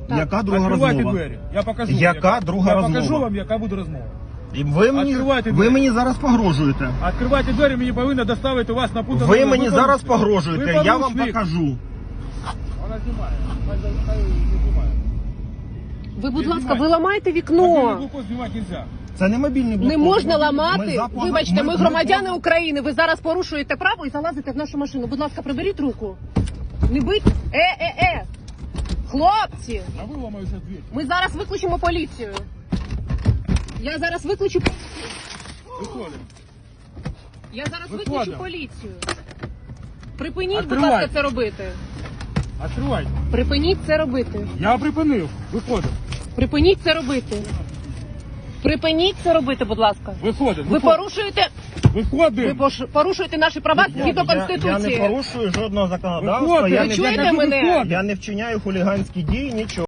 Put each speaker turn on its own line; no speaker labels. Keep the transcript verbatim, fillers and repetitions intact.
Яка друга
Відкривайте
розмова?
двері. Я покажу.
Яка
вам,
друга
я
розмова?
покажу вам, яка буде розмова.
І ви мені,
Відкривайте
ви
двері.
мені зараз погрожуєте.
Відкривайте двері, мені повинні доставити вас на пункт.
Ви мені зараз
порушник.
погрожуєте,
Ви
я вам
порушник.
покажу.
Вона знімає. Хай хай не знімає.
Ви, будь
Не
ласка,
знімайте.
ви ламаєте
Мобільний
вікно.
блокпост знімати нельзя.
Це не мобільний блокпост.
Не можна
Ми
ламати.
закон-
Вибачте, ми
ми-
громадяни
ми-
України. Ви зараз порушуєте право і залазите в нашу машину. Будь ласка, приберіть руку. Не бить. Е-е-е. Хлопці,
А ви ламаєте двері.
ми зараз викличемо поліцію. Я зараз викличу.
Виходимо.
Я зараз
Виходимо.
викличу поліцію. Припиніть, будь
Відкривайте.
ласка, це робити.
Відкривайте.
Припиніть це робити.
Я припинив. Виходимо.
Припиніть це робити. Припиніть це робити, будь ласка.
Виходимо.
Ви порушуєте, ви
Виходимо.
пош- порушуєте наші права
Я-
згідно
я-
Конституції.
Я не порушую жодного законодавства,
Виходимо.
я
Ви
не,
чуєте
кажу,
мене?
виходимо.
я не вчиняю хуліганські дії, нічого.